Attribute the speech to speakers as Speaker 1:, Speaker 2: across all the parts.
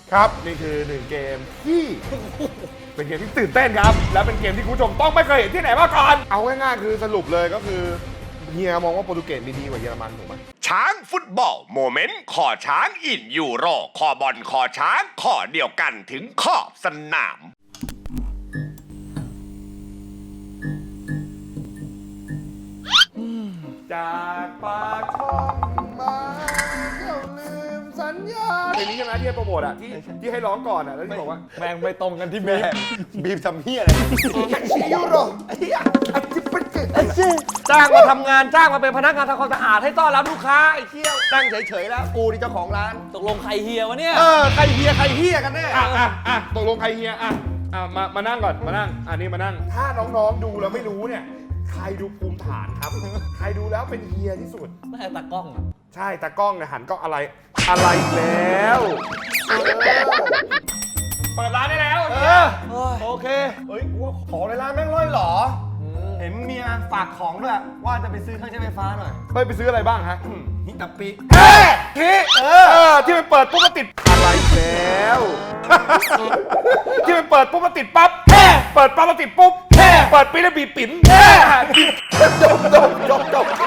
Speaker 1: ครับนี่คือ1เกมที่เป็นเกมที่ตื่นเต้นครับและเป็นเกมที่คุณผู้ชมต้องไม่เคยเห็นที่ไหนมาก่อนเอาง่ายๆคือสรุปเลยก็คือเฮียมองว่าโปรตุเกสมีดีกว่าเยอรมันถูกไหม
Speaker 2: ช้างฟุตบอลโมเมนต์ขอช้างอินยูโรขอบอลขอช้างขอเดียวกันถึงขอบสนาม
Speaker 1: จากปากช่องมาก็ลืมสัญญาเพลงนี้ใช่ไหมที่ให้โปรโมทอ่ะที่ให้ร้องก่อนอ่ะแล้วที่บอกว่าแม่งไม่ตรงกันที่บีบทำเฮียอะไรยูโรไอ้เหี้ยจ้างมาทำงานจ้างมาเป็นพนักงานทำความสะอาดให้ต้อนรับลูกค้าไอ้เชี่ยวตั้งเฉยๆแล้วกูนี่เจ้าของร้าน
Speaker 3: ตกลงใครเฮียวะเนี่ย
Speaker 1: ใครเฮียกันแน่ตกลงใครเฮียมานั่งก่อนมานั่งนี่มานั่งถ้าน้องๆดูแล้วไม่รู้เนี่ยใครดูภูมิฐานครับใครดูแล้วเป็นเฮียที่สุด
Speaker 3: ไม่ตากล้องอ่ะ
Speaker 1: ใช่ตากล้องเนี่ยหันกล้องอะไรแล้วเปิดร้านได้แล้ว
Speaker 4: โอเคเฮ้ยกูว่าของในร้านแม่งร่อยหรอเห็นเมียฝากของด้วยว่าจะไปซื้อเครื่องใช้ไฟฟ้าหน่อย
Speaker 1: ไปซื้ออะไรบ้างฮะ
Speaker 4: ฮิตาปิ
Speaker 1: ที่มันเปิดปุ๊บมันติดอะไรแล้วที่มันเปิดปุ๊บมันติดปั๊บเปิดปั๊บมันติดปุ๊บเปิดปีแล้วบีบปิ่นจบ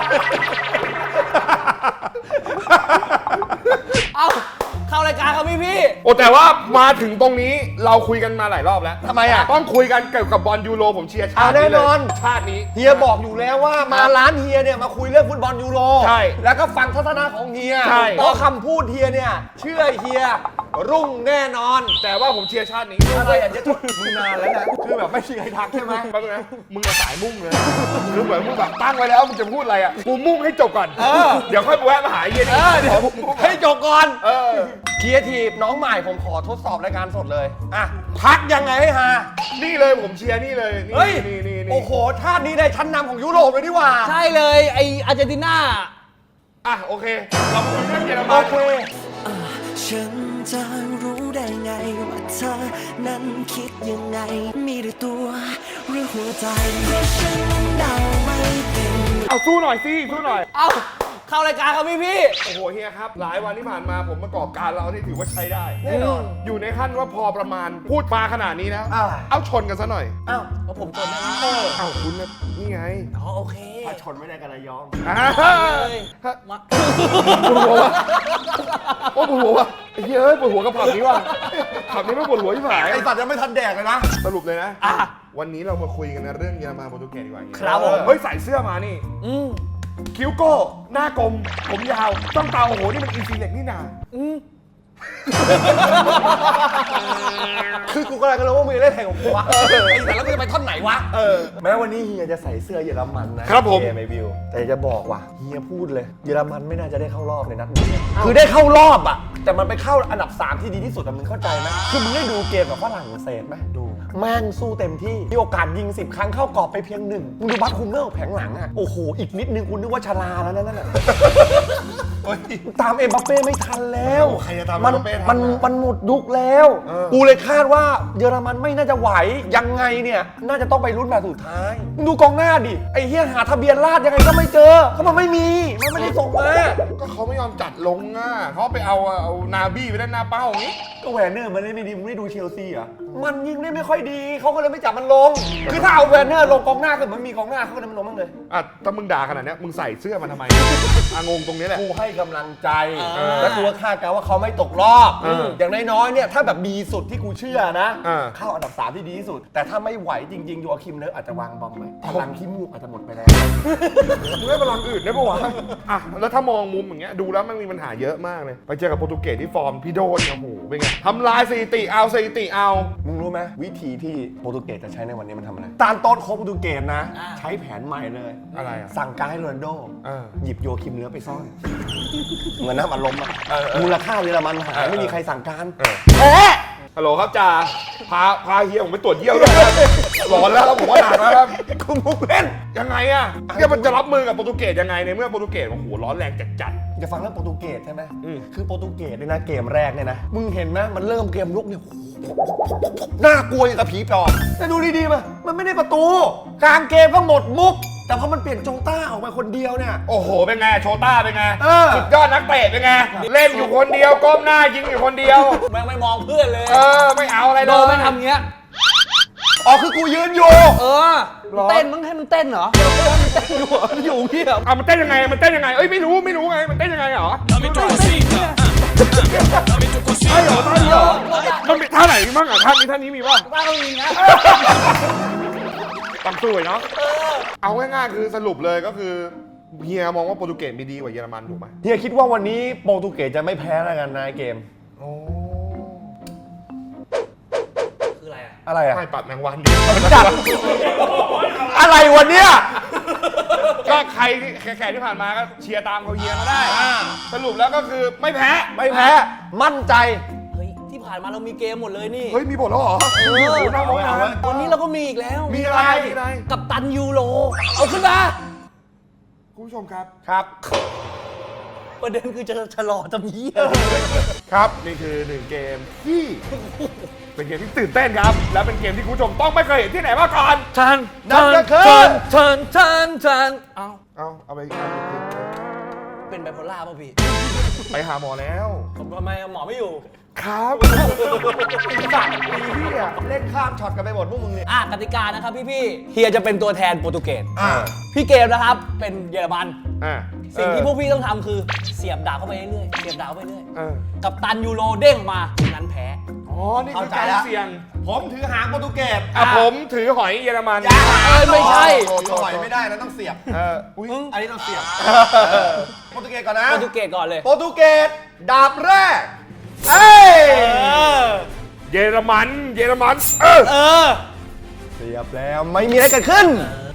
Speaker 3: เอาเข้ารายการครับพี่
Speaker 1: โอ้แต่ว่ามาถึงตรงนี้เราคุยกันมาหลายรอบแล้ว
Speaker 4: ทำไมอ่ะ
Speaker 1: ต้องคุยกันเกี่ยวกับบอลยูโรผมเชียร์ชาติ
Speaker 4: แน่นอน
Speaker 1: ชาตินี้
Speaker 4: เฮียบอกอยู่แล้วว่ามาร้านเฮียเนี่ยมาคุยเรื่องฟุตบอลยูโร
Speaker 1: ใช่
Speaker 4: แล้วก็ฟังทัศนะของเฮียเพราะคำพูดเฮียเนี่ยเชื่อเฮียรุ่งแน่นอน
Speaker 1: แต่ว่าผมเชียร์ชาตินี้
Speaker 4: อะไรอ่ะมึงนานแล้วนะคือแบบไม่มีใครทักใช่ไหม
Speaker 1: แป๊บนึงนะมึงสายมุ่งเลยคือเหมือนมึงแบบตั้งไว้แล้วมึงจะพูดอะไรอ่ะกูมุ่งให้จบก่อนเดี๋ยวค่อยแวะมาหาเฮีย
Speaker 4: เดี๋ยวให้จบก่อนครีเอทีฟน้องใหม่ผมขอทดสอบรายการสดเลยพักยังไงให้ฮา
Speaker 1: นี่เลยผมเชียร์นี่เลย
Speaker 4: เฮ้ยโอ้โหชาตินี้ได้ชั้นนำของยุโรปเลยดีกว่า
Speaker 3: ใช่เลยไออาร์เจนตินา
Speaker 1: โอเคเราคุยเรื่องเยอรมัน
Speaker 4: โอเค
Speaker 5: ฉันจะรู้ได้ไงว่าเธอนั้นคิดยังไงมีหรือตัวหรือหัวใจฉันนั้นเดาไม่เป็น
Speaker 1: สู้หน่อยสิสู้หน่อย
Speaker 3: เข้ารายการครับพี่
Speaker 1: โอ้โหเฮียครับหลายวันที่ผ่านมาผมประกอบการเราที่ถือว่าใช้ได้
Speaker 4: แน่นอน
Speaker 1: อยู่ในขั้นว่าพอประมาณพูดมาขนาดนี้แล้วเอาชนกันซะหน่อย
Speaker 3: แล้วผมชนได้ไหม
Speaker 1: คุณนี่ไง
Speaker 3: โอเค
Speaker 4: ถ้าชนไม่ได้กันระยอง
Speaker 3: มา
Speaker 1: ปวดหัววะปวดหัววะไอ้เหี้ยปวดหัวกับผับนี้ว่ะผับนี้ไม่ปวดหัวที่ผาย
Speaker 4: ไอ้สัตว์ยังไม่ทันแดกเลยนะ
Speaker 1: สรุปเลยนะวันนี้เรามาคุยกันในเรื่องเยอรมันโปรตุเกสดีกว่า
Speaker 3: ครับผม
Speaker 1: เฮ้ยใส่เสื้อมานี่คิ้วโก้หน้ากลมผมยาวจ้องตาโอ้โหนี่มันอินซีเล็กนี่นา
Speaker 4: คือกูกำลังรู้ว่ามึงเล่นแข่งของกูวะแต่แล้วมึงจะไปท่อนไหนวะแม้วันนี้เฮียจะใส่เสื้อเยอรมันนะครับ
Speaker 1: ผม
Speaker 4: ไม่บิวแต่จะบอกว่าเฮียพูดเลยเยอรมันไม่น่าจะได้เข้ารอบในนัดนี้คือได้เข้ารอบอ่ะแต่มันไปเข้าอันดับ3ที่ดีที่สุดมึงเข้าใจไหมคือมึงได้ดูเกมกับฝรั่งเศสไหมดูแม่งสู้เต็มที่มีโอกาสยิง10 ครั้งเข้ากรอบไปเพียง1มึงดูบัตคุมเนอร์แผงหลังอ่ะโอ้โหอีกนิดนึงคุณนึกว่าชราแล้วนั่นน่ะตามเอ็มบัปเป้ไม่ทันแล้วมันหมดยุคแล้วกูเลยคาดว่าเยอรมันไม่น่าจะไหวยังไงเนี่ยน่าจะต้องไปลุ้นแบบสุดท้ายดูกองหน้าดิไอ้เฮียหาทะเบียนราษฎร์ยังไงก็ไม่เจอเขามันไม่มีมันไม่ได้ส่งมา
Speaker 1: ก็เขาไม่ยอมจัดลงเขาไปเอานาบี้ไปด้านหน้าเป้าอย่างนี้
Speaker 4: ก็แวนเนอร์มันเล่นไม่ดีมึงไม่ดูเชลซีเหรอมันยิงได้ไม่ค่อยดีเขาก็เลยไม่จับมันลงคือถ้าเอาแวนเนอร์ลงกองหน้าคือมันมีกองหน้าเขาก็เลยมันลงบ้างเลย
Speaker 1: ถ้ามึงด่าขนาดนี้มึงใส่เสื้อมันทำไมงงตรงนี้แหละ
Speaker 4: กูให้กำลังใจและกูคาดการณ์ว่าเขาไม่ตกรอบอย่างน้อยๆเนี่ยถ้าแบบดีสุดที่กูเชื่อนะเข้าอันดับ3ที่ดีที่สุดแต่ถ้าไม่ไหวจริงๆยูอาคิมเนอร์อาจจะวางบอมไหมพลังขี้มูกอาจจะหมดไปแล้ว
Speaker 1: มึงได้พลังอื่นได้ปะวะแล้วถ้ามองมุมอย่างเงี้ยดูแล้วมันมีปัญหาเยอะมากเลยไปเจอกับโปรตุเกสที่ฟอร์มพี่โดนโอ้โหเป็นไงทำลายสถิติเอา
Speaker 4: มึงรู้ไหมวิธีที่โปรตุเกสจะใช้ในวันนี้มันทำอะไรตามโต๊ะโค้ชโปรตุเกสนะใช้แผนใหม่เลย
Speaker 1: อะไร
Speaker 4: สั่งการให้โรนัลโดหยิบโยคิมเนื้อไปซ่อนเหมือนน้ำอัดลมมูลค่าเยอรมันหายไม่มีใครสั่งการ
Speaker 1: ฮัลโหลครับจ่าพาเฮียผมไปตรวจเยี่ยวด้วยร้อนแล้วผมว่าหนักแล้วครับ
Speaker 4: คุณมุกเล่น
Speaker 1: ยังไงเนี่ยมันจะรับมือกับโปรตุเกสยังไงในเมื่อโปรตุเกสโอ้โหร้อนแรงจัด
Speaker 4: จะฟังเรื่องโปรตุเกสใช่ไหมคือโปรตุเกสเนี่ยนะเกมแรกเนี่ยนะมึงเห็นไหมมันเริ่มเกมลุกเนี่ยน่ากลัวอย่างกับผีปอบแต่ดูดีๆมันไม่ได้ประตูกลางเกมก็หมดมุกแต่พอมันเปลี่ยนโจต้าออกมาคนเดียวเนี่ย
Speaker 1: โอ้โห เป็นไง โชต้าเป็นไง
Speaker 4: เออ
Speaker 1: สุดยอดนักเตะเป็นไง เล่นอยู่คนเดียว ก้มหน้ายิงอยู่คนเดียว
Speaker 3: แม่งไม่มองเพื่อนเลย
Speaker 1: เออ ไม่เอาอะไรเลย
Speaker 3: โดนไม่ทำเงี้ย
Speaker 4: อ๋อคือกูยืนอยู่
Speaker 3: เออมันเต้นมึงให้มันเต้นเหรอมันเต้นอยู่เหรอมันอยู่เงี้ย
Speaker 1: เอามันเต้นยังไง มันเต้นยังไง เอ้ย ไม่รู้ไง มันเต้นยังไงเหรอใช่เหรอท่านี้เหรอมันมีท่าไหนบ้างอ่ะท่านี้มีป่ะ
Speaker 3: บ้านก็มีนะ
Speaker 1: ต้องสู้เนาะเอาง่ายๆคือสรุปเลยก็คือเฮียมองว่าโปรตุเกสมีดีกว่าเยอรมันถูกไหม
Speaker 4: เฮียคิดว่าวันนี้โปรตุเกสจะไม่แพ้แล้วกันในเกม
Speaker 1: โอ้
Speaker 3: คืออะไรอ่ะ
Speaker 4: อะไรอ่ะ
Speaker 1: ไม่ปัดแมงวัน
Speaker 4: จับอะไรวันเนี้ย
Speaker 1: ก็ใครที่แข่งที่ผ่านมาก็เชียร์ตามเขาเฮียเขาได้สรุปแล้วก็คือไม่แพ้
Speaker 4: ไม่แพ้ มั่นใจ
Speaker 3: เฮ้ยที่ผ่านมาเรามีเกมหมดเลยนี่
Speaker 1: เฮ้ยมีบทแล้วเหรอโอ้โหน้องๆนะ
Speaker 3: วันนี้เราก็มีอีกแล้ว
Speaker 1: มีอะไร
Speaker 3: กัปตันยูโรเอาขึ้นมา
Speaker 1: คุณผู้ชมครับ
Speaker 4: ครับ
Speaker 3: ประเด็นคือจะชะลอทำเหี้ย
Speaker 1: ครับนี่คือหนึ่งเกมที่เป็นเกมที่ตื่นเต้นครับ และเป็นเกมที่คุณผู้ชมต้องไม่เคยเห็นที่ไหนมาก่อน
Speaker 3: ทัน
Speaker 4: นั่นก็คือ
Speaker 3: ทันเอา
Speaker 1: เอาไป
Speaker 3: เป็นไบโพล่าป่ะพี่
Speaker 1: ไปหาหมอแล้ว
Speaker 3: ผมทำไมหมอไม่อยู่
Speaker 1: ครับสัตว์ปีที่อ่ะ
Speaker 4: เล่นข้ามช็อตกันไปหมดพวกมึงเนี่ย
Speaker 3: กติกานะครับพี่เฮียจะเป็นตัวแทนโปรตุเกส
Speaker 4: อ่า
Speaker 3: พี่เกมนะครับเป็นเยอรมัน
Speaker 1: อ่า
Speaker 3: สิ่งที่พวกพี่ต้องทำคือเสียบดาบเข้าไปเรื่อยๆเสียบดาบเข้าไปเรื่อย
Speaker 1: เออ
Speaker 3: กัปตันยูโรเด้งมานั้นแพ้
Speaker 1: อ๋อ นี่คือการเสี่ยง
Speaker 4: ผมถือหางโปรตุเกส
Speaker 1: ผมถือหอยเยอรมัน
Speaker 3: ไม่ใช่
Speaker 4: ถือหอยไม่ได้นะต้องเสียบ
Speaker 1: อุ้ย
Speaker 4: อันนี้ต้องเสียบโปรตุเกสก่อนนะ
Speaker 3: โปรตุเกสก่อนเลย
Speaker 4: โปรตุเกสดาบแรกเอ้ย
Speaker 1: เยอรมัน เ
Speaker 3: เออ
Speaker 4: เสียบแล้วไม่มีอะไรเกิดขึ้น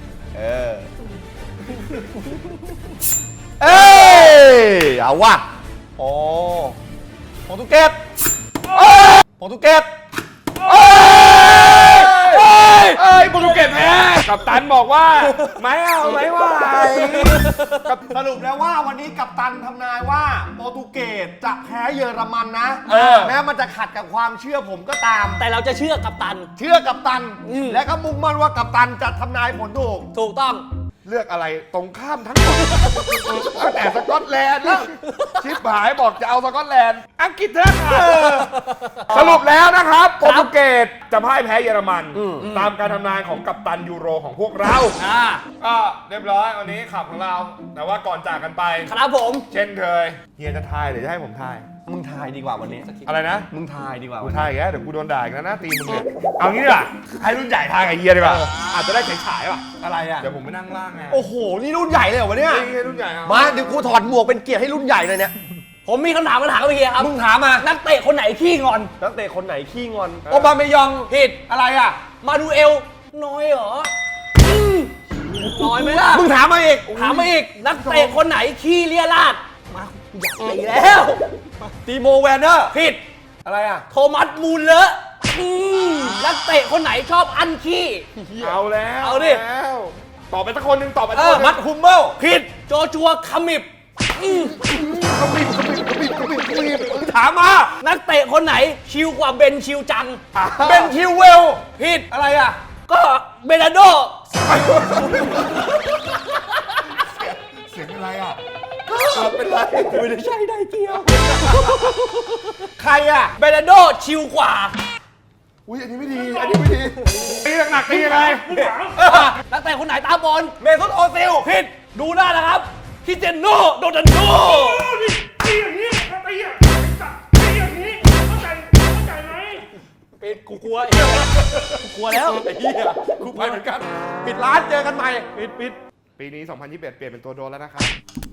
Speaker 4: เอ้ยเอาว่ะโอ้โปรตุเกสโปรตุเกส
Speaker 1: เอ้ยโปรตุเกสแพ้กัปตันบอกว่า ไม่เอาไม่ไหว
Speaker 4: สรุปแล้วว่าวันนี้กัปตันทำนายว่าโปรตุเกสจะแพ้เยอรมันนะ แม้มันจะขัดกับความเชื่อผมก็ตาม
Speaker 3: แต่เราจะเชื่อกัปตัน
Speaker 4: เชื่อกัปตัน และก็มุ่งมั่นว่ากัปตันจะทำนายผลถูก
Speaker 3: ถูกต้อง
Speaker 1: เลือกอะไรตรงข้ามทั้งหมดตั้งแต่สกอตแลนด์แล้วชิบหายบอกจะเอาสกอตแลนด์อังกฤษเถอะสรุปแล้วนะครับโปรตุเกสจะพ่ายแพ้เยอรมัน ตามการทำนายของกัปตันยูโรของพวกเราก็เรียบร้อยวันนี้ขับของเรา แต่ว่าก่อนจากกันไป
Speaker 3: ครับผม
Speaker 1: เช่นเคยเฮียจะทายหรือจะให้ผมทาย
Speaker 4: มึงทายดีกว่าวันนี้
Speaker 1: อะไรนะ
Speaker 4: มึงทายดีกว่า
Speaker 1: กูทายอีกแล้วเดี๋ยวกูโดนด่าอีกแล้วนะตีมึงเนี่ยเอางี้ดีกว่าให้รุ่นใหญ่ทายกับเฮียดีกว่าอาจจะได้ฉายๆว่ะ
Speaker 4: อะไรอ่ะ
Speaker 1: เดี๋ยวผมไปนั่งล่างไง
Speaker 4: โอ้โห นี่รุ่นใหญ่เลยเหรอวะเนี่ย
Speaker 1: ให้รุ่นใหญ่เอา
Speaker 4: มาเดี๋ยวกูถอดหมวกเป็นเกียรติให้รุ่นใหญ่เลยเนี่ย
Speaker 3: ผมมีคำถามมาถามกับเฮียครับ
Speaker 4: มึงถามมา
Speaker 3: นักเตะคนไหนขี้งอน
Speaker 4: นักเตะคนไหนขี้งอนโอบาเมยอง
Speaker 3: ผิด
Speaker 4: อะไรอ่ะ
Speaker 3: มาดูเอล น้อยเหรอน้อยไหมล่ะ
Speaker 4: มึงถามมาอีก
Speaker 3: ถามมาอีก นักเตะคนไหนขี้เลียราดมาอยากตีแล้ว
Speaker 4: ตีโมแวนเนอร์
Speaker 3: ผิด
Speaker 4: อะไรอ่ะ
Speaker 3: โทมัสมูลเลอะนักเตะคนไหนชอบอันขี้
Speaker 1: เอาแล้ว
Speaker 3: เอาดิ
Speaker 1: แล้วตอบไปสักคนหนึ่งตอบไปสัก
Speaker 3: เอ
Speaker 1: ค
Speaker 3: อน
Speaker 1: หนึ่ง
Speaker 4: มัดฮุมเบิล
Speaker 3: ผิด โจชัวคามิบ
Speaker 4: ถามมา
Speaker 3: นักเตะคนไหนชิลกว่าเบนชิลจัง
Speaker 4: เบนคิวเวล
Speaker 3: ผิด
Speaker 4: อะไรอ่ะ
Speaker 3: ก็เบนาโด
Speaker 1: เสียงอะไรอ่ะ
Speaker 4: เป็นไร
Speaker 3: ไม่ได้ใช่ได้เกี่ยว
Speaker 4: ใครอ่ะ
Speaker 3: เบนาโดชิลกว่า
Speaker 1: อุ้ยอันนี้ไม่ดี อันนี้ไม่ดีตีหนักๆตียังไง
Speaker 3: นักเตะคนไหนตาบอล
Speaker 4: เมซุตโอซิล
Speaker 3: ผิด ดูหน้านะครับคิเจนโนโดนันโด
Speaker 1: ตีอย่างนี้ตีอย่างนี้เข้าใจไหม
Speaker 3: ปิดกูกลัวกูกลัวแล้ว
Speaker 4: เฮียกูไปเหมือนกัน ปิดร้านเจอกันใหม่
Speaker 1: ปิดปีนี้ 2021 เปลี่ยนเป็นตัวโดนแล้วนะครับ